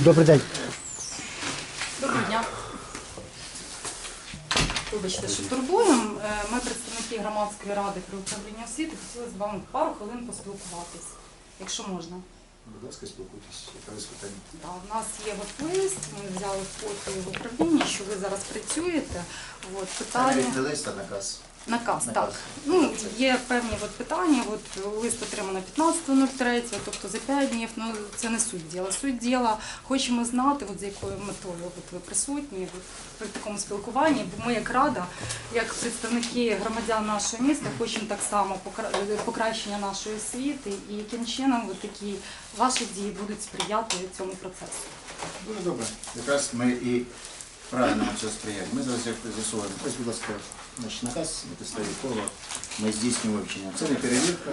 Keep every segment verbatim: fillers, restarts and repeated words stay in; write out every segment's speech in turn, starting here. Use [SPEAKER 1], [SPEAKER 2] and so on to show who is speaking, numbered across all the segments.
[SPEAKER 1] Добрий день.
[SPEAKER 2] Доброго дня. Вибачте, що турбуємо. Ми, представники громадської ради при управлінні освіти, хотіли з вами пару хвилин поспілкуватись, якщо можна.
[SPEAKER 3] Будь ласка, спілкуйтесь, яке питання.
[SPEAKER 2] Да, у нас є от лист, ми взяли фото в управлінні, що ви зараз працюєте. От, питання...
[SPEAKER 3] Це не лист, а наказ.
[SPEAKER 2] Наказ,
[SPEAKER 3] Наказ.
[SPEAKER 2] так. Ну, є певні от питання, от лист отримано п'ятнадцятого нуль третього, тобто за п'ять днів, ну це не суть діла. Суть діла, хочемо знати, от, з якою метою от, ви присутні от, при такому спілкуванні, бо ми як рада, як представники громадян нашого міста, хочемо так само покра- покращення нашої освіти і яким чином от, такі ваші дії будуть сприяти цьому процесу.
[SPEAKER 3] Дуже добре. Якраз ми і правильно цього сприяємо. Ми зараз з'ясовуємо. Ось, будь ласка, наш наказ, на підставі якого ми здійснюємо вивчення. Це не перевірка,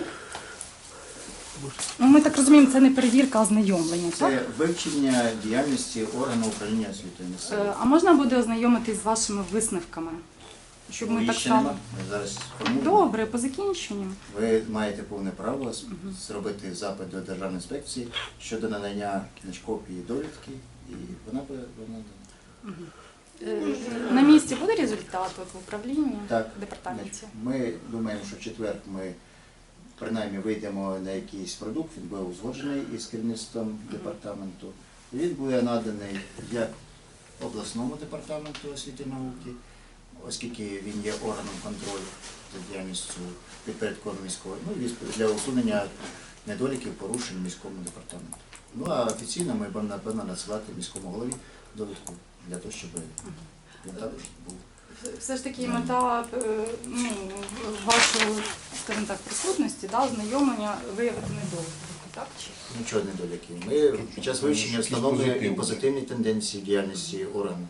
[SPEAKER 2] Ну, ми так розуміємо, це не перевірка, а знайомлення, так?
[SPEAKER 3] це вивчення діяльності органу управління освітою
[SPEAKER 2] Е,
[SPEAKER 3] місцевого.
[SPEAKER 2] А можна буде ознайомитись з вашими висновками? Щоб ми
[SPEAKER 3] Їх
[SPEAKER 2] так
[SPEAKER 3] ще
[SPEAKER 2] само...
[SPEAKER 3] нема. Ми зараз формуємо.
[SPEAKER 2] Добре, по закінченню.
[SPEAKER 3] Ви маєте повне право з- зробити запит до Державної інспекції щодо надання кіночкопії довідки, і вона буде вона надана.
[SPEAKER 2] Е, На місці буде результат от, в управлінні,
[SPEAKER 3] Так.
[SPEAKER 2] в департаменті?
[SPEAKER 3] Ми думаємо, що в четвер ми принаймні вийдемо на якийсь продукт, він буде узгоджений із керівництвом департаменту. Він буде наданий як обласному департаменту освіти і науки, оскільки він є органом контролю за діяльністю підпорядкованого міського, ну і для усунення недоліків, порушень міському департаменту. Ну а офіційно ми будемо, напевно, надсилати міському голові довідку для того, щоб він також був.
[SPEAKER 2] Все ж таки мета е, ну, вашої, скажімо так, присутності, да, ознайомлення виявити недоліки, так? Чи?
[SPEAKER 3] Нічого недоліків. Ми під час вивчення встановлюємо і позитивні тенденції в діяльності органу.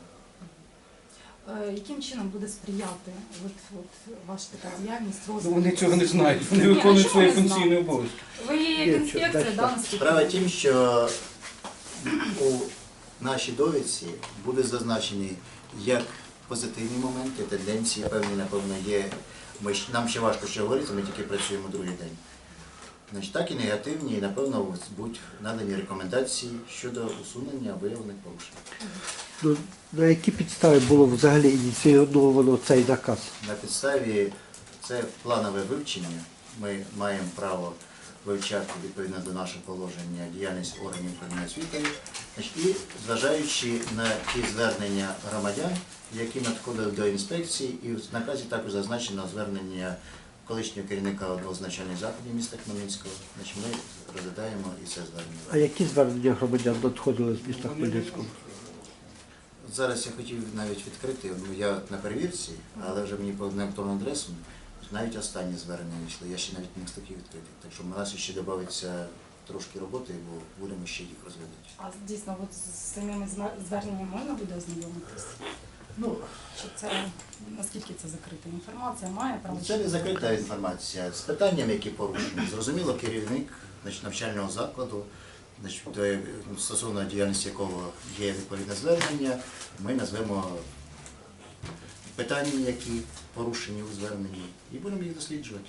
[SPEAKER 2] Е, Яким чином буде сприяти от, от, ваша така діяльність,
[SPEAKER 4] Ну,
[SPEAKER 2] розвитку?
[SPEAKER 4] вони цього не знають, вони
[SPEAKER 2] Ні, а
[SPEAKER 4] виконують
[SPEAKER 2] чому
[SPEAKER 4] свої
[SPEAKER 2] не знають?
[SPEAKER 4] функційні обов'язки.
[SPEAKER 2] Ви є як інспекція, да, наскільки?
[SPEAKER 3] Справа в тім, що у нашій довідці буде зазначені як позитивні моменти, тенденції, певні, напевно, є. Ми, ж- нам ще важко ще говорити, ми тільки працюємо другий день. Значить, так і негативні, і, напевно, будуть надані рекомендації щодо усунення виявлених порушень.
[SPEAKER 1] Ну, на які підстави було взагалі ініційовано цей наказ?
[SPEAKER 3] На підставі це планове вивчення. Ми маємо право вивчати відповідно до нашого положення діяльність органів управління освітою. Значить, і зважаючи на ті звернення громадян, які надходили до інспекції, і в наказі також зазначено звернення колишнього керівника одного з начальних закладів міста Хмельницького. Значить, ми розглядаємо і це звернення.
[SPEAKER 1] А які звернення громадян надходили з міста Хмельницького?
[SPEAKER 3] Зараз я хотів навіть відкрити, ну я на перевірці, але вже мені по електронному адресу навіть останні звернення вийшли, я ще навіть не встиг їх відкрити. Так що в нас ще додається трошки роботи, бо будемо ще їх розглядати.
[SPEAKER 2] А дійсно, от з самими зна- зверненнями можна буде ознайомитись?
[SPEAKER 3] Ну,
[SPEAKER 2] Чи це, наскільки це закрита інформація, має право?
[SPEAKER 3] це не закрита інформація. З питаннями, які порушені. Зрозуміло, керівник значить, навчального закладу, значить, до- стосовно діяльності якого є відповідне звернення, ми назвемо питання, які порушені у зверненні, і будемо їх досліджувати.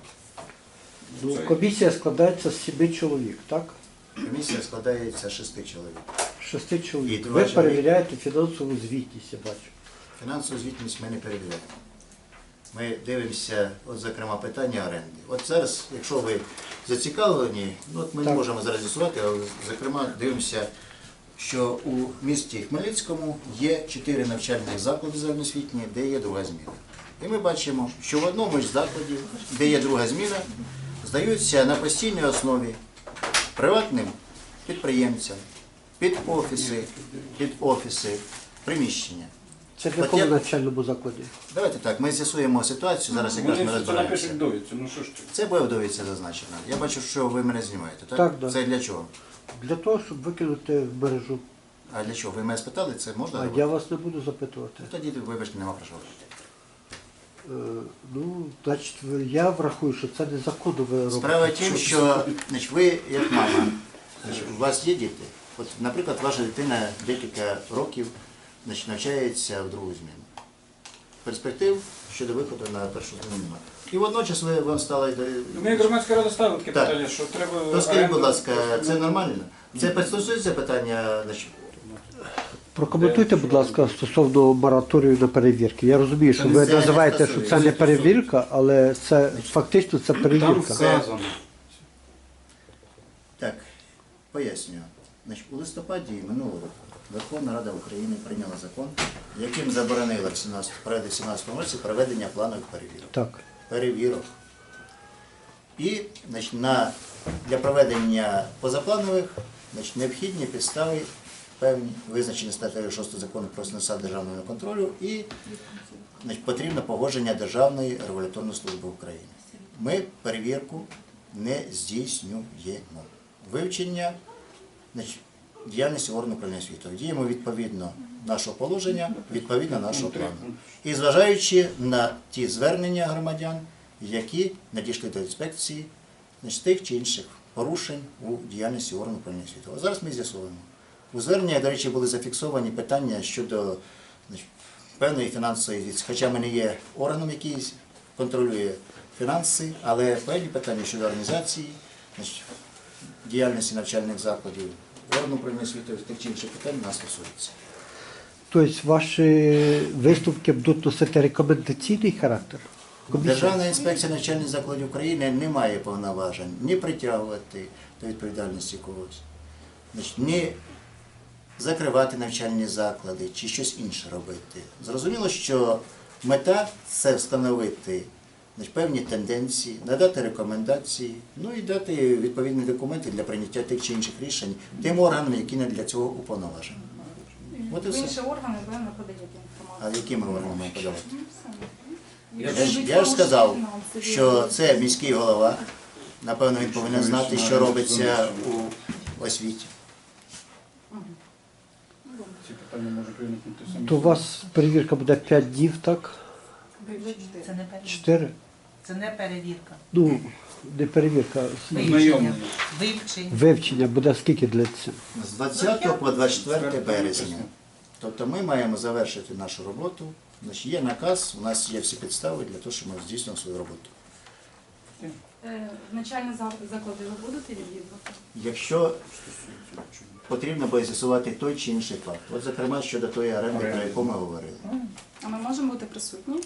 [SPEAKER 1] Ну, комісія складається з сіми чоловік, так?
[SPEAKER 3] Комісія складається з шести чоловік.
[SPEAKER 1] Шести чоловік.
[SPEAKER 3] І два
[SPEAKER 1] Ви
[SPEAKER 3] чоловіка.
[SPEAKER 1] перевіряєте фінансову звітність, я бачу.
[SPEAKER 3] Фінансову звітність ми не перевіряємо. Ми дивимося, от, зокрема, питання оренди. От зараз, якщо ви зацікавлені, ну, от ми не
[SPEAKER 1] Так.
[SPEAKER 3] можемо зараз з'ясувати, але, зокрема, дивимося, що у місті Хмельницькому є чотири навчальних заклади загальноосвітні, де є друга зміна. І ми бачимо, що в одному з закладів, де є друга зміна, здаються на постійній основі приватним підприємцям, під офіси, під офіси, приміщення.
[SPEAKER 1] Це в
[SPEAKER 3] От
[SPEAKER 1] якому
[SPEAKER 3] я-
[SPEAKER 1] навчальному закладі?
[SPEAKER 3] Давайте так, ми з'ясуємо ситуацію, зараз якраз
[SPEAKER 4] Вони
[SPEAKER 3] ми
[SPEAKER 4] це
[SPEAKER 3] розбираємося.
[SPEAKER 4] напишуть довідцю, ну що ж ти?
[SPEAKER 3] Це буде в довідці зазначено. Я бачу, що ви мене знімаєте, так?
[SPEAKER 1] Так, да.
[SPEAKER 3] Це для чого?
[SPEAKER 1] Для того, щоб викинути в мережу.
[SPEAKER 3] А для чого? Ви мене спитали, це можна
[SPEAKER 1] А
[SPEAKER 3] робити?
[SPEAKER 1] я вас не буду запитувати.
[SPEAKER 3] Тоді, вибачте, нема про що говорити.
[SPEAKER 1] Е, Ну, значить, ви- я врахую, що це незаконно ви робите.
[SPEAKER 3] Справа в тім, що значить, ви, як мама, значить, у вас є діти. От, наприклад, ваша дитина декілька років значить, навчається в другу зміну. Перспектив щодо виходу на першу зміну немає. І водночас ви, вам стало...
[SPEAKER 4] Ми як громадська рада ставили таке
[SPEAKER 3] Так.
[SPEAKER 4] питання, що треба...
[SPEAKER 3] То скажіть, будь
[SPEAKER 4] оренду-
[SPEAKER 3] ласка, це нормально? Це стосується питання значить,
[SPEAKER 1] Прокоментуйте, будь ласка, стосовно мораторію на перевірки. Я розумію, що
[SPEAKER 3] Це
[SPEAKER 1] ви
[SPEAKER 3] не
[SPEAKER 1] називаєте, що
[SPEAKER 3] стосується.
[SPEAKER 1] це не перевірка, але це фактично це
[SPEAKER 4] Там
[SPEAKER 1] перевірка.
[SPEAKER 4] вказано.
[SPEAKER 3] Так, пояснюю. Значить, у листопаді минулого року Верховна Рада України прийняла закон, яким заборонила в сімнадцятому сімнадцятому році проведення планових перевірок.
[SPEAKER 1] Так.
[SPEAKER 3] Перевірок. І значить, на, для проведення позапланових значить, необхідні підстави певні, визначені статтею шостою закону про СНСА державного контролю і значить, потрібно погодження Державної регуляторної служби України. Ми перевірку не здійснюємо. Вивчення значить, діяльності органу управління освітою. Діємо відповідно нашого положення, відповідно нашого плану. І зважаючи на ті звернення громадян, які надійшли до інспекції значить, тих чи інших порушень у діяльності органу управління освітою. А зараз ми з'ясовуємо. У зверненні, до речі, були зафіксовані питання щодо значить, певної фінансової відповідальності. Хоча ми не є органом, який контролює фінанси, але певні питання щодо організації, значить, діяльності навчальних закладів, органу управління освітою, тих чи інших питань нас стосується.
[SPEAKER 1] Тобто ваші висновки будуть носити рекомендаційний характер? Комісія?
[SPEAKER 3] Державна інспекція навчальних закладів України не має повноважень ні притягувати до відповідальності когось, значить, ні закривати навчальні заклади чи щось інше робити. Зрозуміло, що мета – це встановити значить, певні тенденції, надати рекомендації, ну і дати відповідні документи для прийняття тих чи інших рішень тим органам, які не для цього уповноважені. От і
[SPEAKER 2] В
[SPEAKER 3] все.
[SPEAKER 2] інші органи ви не подаєте
[SPEAKER 3] А
[SPEAKER 2] інформацію.
[SPEAKER 3] яким органам ми подавати?
[SPEAKER 2] Ну, все.
[SPEAKER 3] Я
[SPEAKER 2] Якщо
[SPEAKER 3] ж,
[SPEAKER 2] йдуть
[SPEAKER 3] я ж сказав,
[SPEAKER 2] порушення фінансові,
[SPEAKER 3] що це міський голова. Напевно, він повинен знати, що робиться у освіті.
[SPEAKER 4] Ці питання можуть виникнути самі.
[SPEAKER 1] То у вас перевірка буде п'ять днів, так?
[SPEAKER 5] Це не перевірка.
[SPEAKER 1] чотири?
[SPEAKER 5] Це не перевірка.
[SPEAKER 1] Ну, не перевірка,
[SPEAKER 4] Знайомлення.
[SPEAKER 5] Вивчення.
[SPEAKER 1] вивчення буде скільки для цього?
[SPEAKER 3] З двадцятого по двадцять четверте березня. Тобто ми маємо завершити нашу роботу. Значить, є наказ, у нас є всі підстави для того, щоб ми здійснили свою роботу.
[SPEAKER 2] Е, Навчальні зак- заклади ви будете відвідувати?
[SPEAKER 3] Якщо потрібно буде з'ясувати той чи інший факт. От, зокрема, щодо тої оренди, про яку ми говорили.
[SPEAKER 2] А ми можемо бути присутні?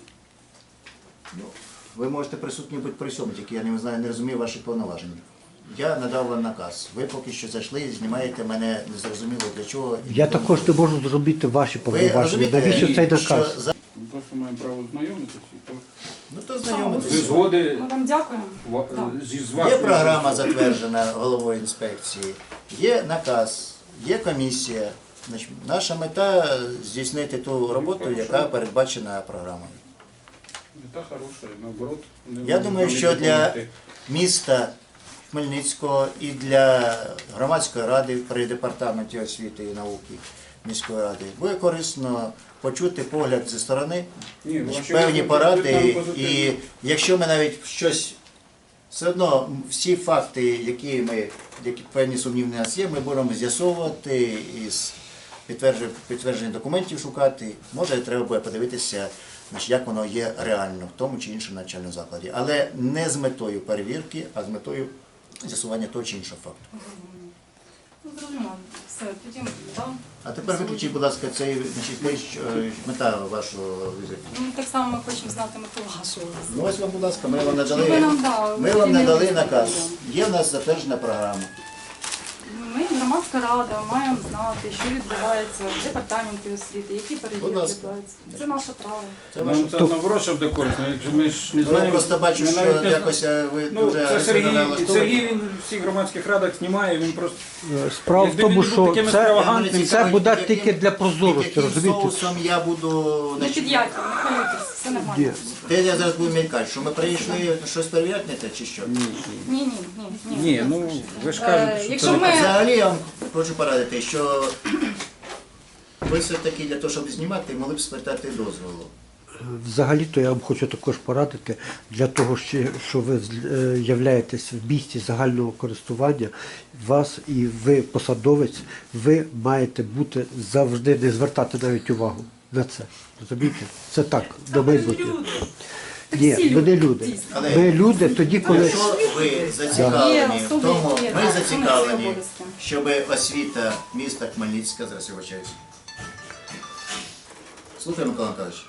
[SPEAKER 3] Ну, ви можете присутні бути при всьому, тільки я не знаю, не розумію ваших повноважень. Я надав вам наказ. Ви поки що зайшли і знімаєте мене незрозуміло для чого. і
[SPEAKER 1] Я
[SPEAKER 3] тому
[SPEAKER 1] також не
[SPEAKER 3] подібне.
[SPEAKER 1] можу зробити ваші
[SPEAKER 3] Ви
[SPEAKER 1] повноваження.
[SPEAKER 3] розумієте,
[SPEAKER 1] Навіщо цей
[SPEAKER 3] що
[SPEAKER 1] наказ?
[SPEAKER 3] за-
[SPEAKER 4] Ми просто маємо право знайомитися. і то
[SPEAKER 3] Ну то
[SPEAKER 4] Ви
[SPEAKER 3] знайомитися.
[SPEAKER 4] згоди
[SPEAKER 2] Ми вам дякуємо.
[SPEAKER 4] ва-
[SPEAKER 2] Так.
[SPEAKER 4] зі з
[SPEAKER 3] Є
[SPEAKER 4] вашою
[SPEAKER 3] програма
[SPEAKER 4] згодою.
[SPEAKER 3] затверджена головою інспекції, є наказ, є комісія. Значить, наша мета здійснити ту роботу, яка передбачена програмою.
[SPEAKER 4] Мета хороша, наоборот. не
[SPEAKER 3] Я думаю,
[SPEAKER 4] вони
[SPEAKER 3] що для
[SPEAKER 4] допомогти.
[SPEAKER 3] міста Хмельницького і для громадської ради при департаменті освіти і науки міської ради буде корисно почути погляд зі сторони,
[SPEAKER 4] Ні,
[SPEAKER 3] значить,
[SPEAKER 4] ваші
[SPEAKER 3] певні
[SPEAKER 4] висновки
[SPEAKER 3] поради.
[SPEAKER 4] будуть нам позитивні.
[SPEAKER 3] І якщо ми навіть щось, все одно всі факти, які ми, які певні сумнівні у нас є, ми будемо з'ясовувати із підтвердження, підтвердження документів шукати. Може, треба буде подивитися, значить, як воно є реально в тому чи іншому навчальному закладі. Але не з метою перевірки, а з метою з'ясування того чи іншого факту.
[SPEAKER 2] Ну, зрозуміло. Все, тоді так.
[SPEAKER 3] А тепер виключіть, будь ласка, цей значить, те, що, е, мета вашого візиту.
[SPEAKER 2] Ну, так само ми хочемо знати мету вашого.
[SPEAKER 3] Ну ось вам, будь ласка, ми вам
[SPEAKER 2] Ви
[SPEAKER 3] надали,
[SPEAKER 2] нам дали,
[SPEAKER 3] ми
[SPEAKER 2] ви
[SPEAKER 3] вам надали
[SPEAKER 2] вільні
[SPEAKER 3] наказ.
[SPEAKER 2] люди.
[SPEAKER 3] Є в нас затверджена програма.
[SPEAKER 2] Ми, громадська рада, маємо знати, що відбувається в департаменті освіти, які
[SPEAKER 3] Будь
[SPEAKER 2] перевірки
[SPEAKER 3] ласка.
[SPEAKER 2] відбуваються. Це наше право.
[SPEAKER 3] Це ваше.
[SPEAKER 4] Нам це наоборот, щоб де корисно. Якщо ми ж не
[SPEAKER 3] Ну, я
[SPEAKER 4] знаємо.
[SPEAKER 3] просто бачу,
[SPEAKER 4] ми
[SPEAKER 3] що
[SPEAKER 4] навіть не
[SPEAKER 3] якось е, ви
[SPEAKER 4] Ну,
[SPEAKER 3] дуже
[SPEAKER 4] це Сергій,
[SPEAKER 3] агресивно налаштовані.
[SPEAKER 4] Сергій він в всіх громадських радах знімає, він просто
[SPEAKER 1] Е, Справа в
[SPEAKER 4] Якби
[SPEAKER 1] тому,
[SPEAKER 4] він був
[SPEAKER 1] що
[SPEAKER 4] таким
[SPEAKER 1] це,
[SPEAKER 4] екстравагантним,
[SPEAKER 1] це буде
[SPEAKER 3] яким-
[SPEAKER 1] тільки для прозорості,
[SPEAKER 3] яким
[SPEAKER 1] розумієте?
[SPEAKER 3] соусом я буду...
[SPEAKER 2] Не
[SPEAKER 3] значить,
[SPEAKER 2] під яйцем, не хвилюйтесь, все нормально.
[SPEAKER 1] Є.
[SPEAKER 3] Те я зараз буду мількати, що ми прийшли щось перевіряти не те, чи що?
[SPEAKER 2] Ні, ні, ні, ні.
[SPEAKER 4] ні, ну ви ж
[SPEAKER 2] Е,
[SPEAKER 4] кажете, що
[SPEAKER 2] якщо
[SPEAKER 4] це
[SPEAKER 2] ми-
[SPEAKER 3] Взагалі я вам хочу порадити, що ви все-таки для того, щоб знімати, могли б спитати дозволу.
[SPEAKER 1] Взагалі-то я вам хочу також порадити, для того, що що ви е, являєтесь в місті загального користування, вас і ви посадовець, ви маєте бути завжди не звертати навіть увагу на це. Розумієте? Це так, на майбутнє.
[SPEAKER 2] Так
[SPEAKER 1] Ні,
[SPEAKER 2] всі
[SPEAKER 1] ми не
[SPEAKER 2] люди,
[SPEAKER 1] люди.
[SPEAKER 2] дійсно.
[SPEAKER 3] Але-
[SPEAKER 1] Ми люди тоді, коли
[SPEAKER 3] Якщо ви зацікавлені
[SPEAKER 2] Є
[SPEAKER 3] в
[SPEAKER 2] особи,
[SPEAKER 3] тому,
[SPEAKER 2] які,
[SPEAKER 3] ми
[SPEAKER 2] так, виконують свої
[SPEAKER 3] зацікавлені,
[SPEAKER 2] обов'язки.
[SPEAKER 3] щоб освіта міста Хмельницька, зараз я вибачаюсь. Слухай, Микола Миколаївич.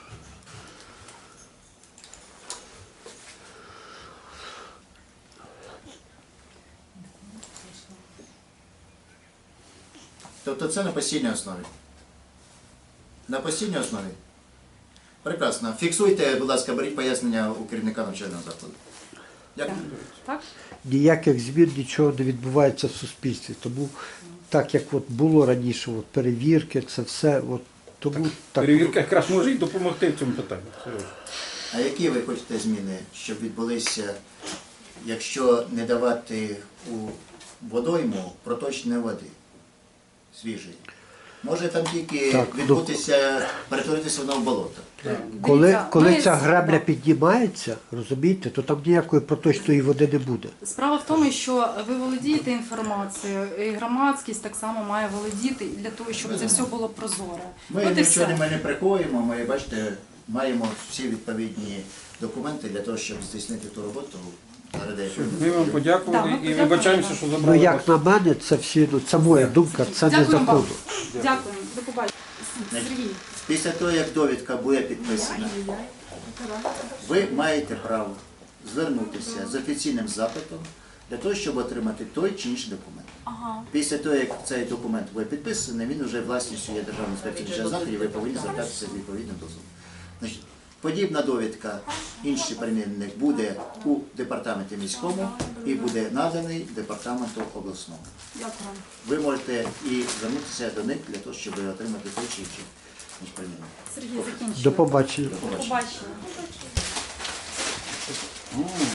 [SPEAKER 3] Тобто це на постійній основі. На постійній основі. Прекрасно. Фіксуйте, будь ласка, беріть пояснення у керівника навчального закладу. Дякую.
[SPEAKER 2] Так?
[SPEAKER 1] ніяких змін, нічого не відбувається в суспільстві. Тому так як от було раніше, от перевірки, це все, от, тому так.
[SPEAKER 4] Перевірка якраз може і допомогти в цьому питанні. Серйозно.
[SPEAKER 3] А які ви хочете зміни, щоб відбулися, якщо не давати у водойму проточної води, свіжої? Може там тільки
[SPEAKER 1] Так, ну-
[SPEAKER 3] відбутися, перетворитися воно в болото?
[SPEAKER 1] Коли,
[SPEAKER 2] Дивіться,
[SPEAKER 1] коли
[SPEAKER 2] ми
[SPEAKER 1] ця
[SPEAKER 2] з-
[SPEAKER 1] гребля
[SPEAKER 2] так.
[SPEAKER 1] піднімається, розумієте, то там ніякої проточної води не буде.
[SPEAKER 2] Справа в тому, що ви володієте інформацією, і громадськість так само має володіти і для того, щоб це все було прозоре.
[SPEAKER 3] Ми
[SPEAKER 2] От і
[SPEAKER 3] нічого
[SPEAKER 2] все.
[SPEAKER 3] не приховуємо, ми, бачите, маємо всі відповідні документи для того, щоб здійснити ту роботу. Нагадай,
[SPEAKER 4] Ми вам подякували
[SPEAKER 2] Да, ми
[SPEAKER 4] і
[SPEAKER 2] подякуємо.
[SPEAKER 4] вибачаємося, що
[SPEAKER 1] Ну
[SPEAKER 4] забрали
[SPEAKER 1] як
[SPEAKER 4] вас.
[SPEAKER 1] на мене, це всі, ну це моя думка, це не
[SPEAKER 2] Дякуємо вам.
[SPEAKER 1] законно.
[SPEAKER 2] Дякую. До побачення. Сергій.
[SPEAKER 3] Після того, як довідка буде підписана, ви маєте право звернутися з офіційним запитом для того, щоб отримати той чи інший документ.
[SPEAKER 2] Ага.
[SPEAKER 3] Після того, як цей документ буде підписаний, він вже власністю є Державної інспекції інспекції заходів, і ви повинні звертатися з відповідним дозволом. Значить, подібна довідка інший перемінник буде у департаменті міському і буде наданий департаменту обласному.
[SPEAKER 2] Дякую.
[SPEAKER 3] Ви можете і звернутися до них для того, щоб отримати той чи інший перемінник.
[SPEAKER 2] Сергій, закінчуємо.
[SPEAKER 1] До побачення.
[SPEAKER 2] До побачення.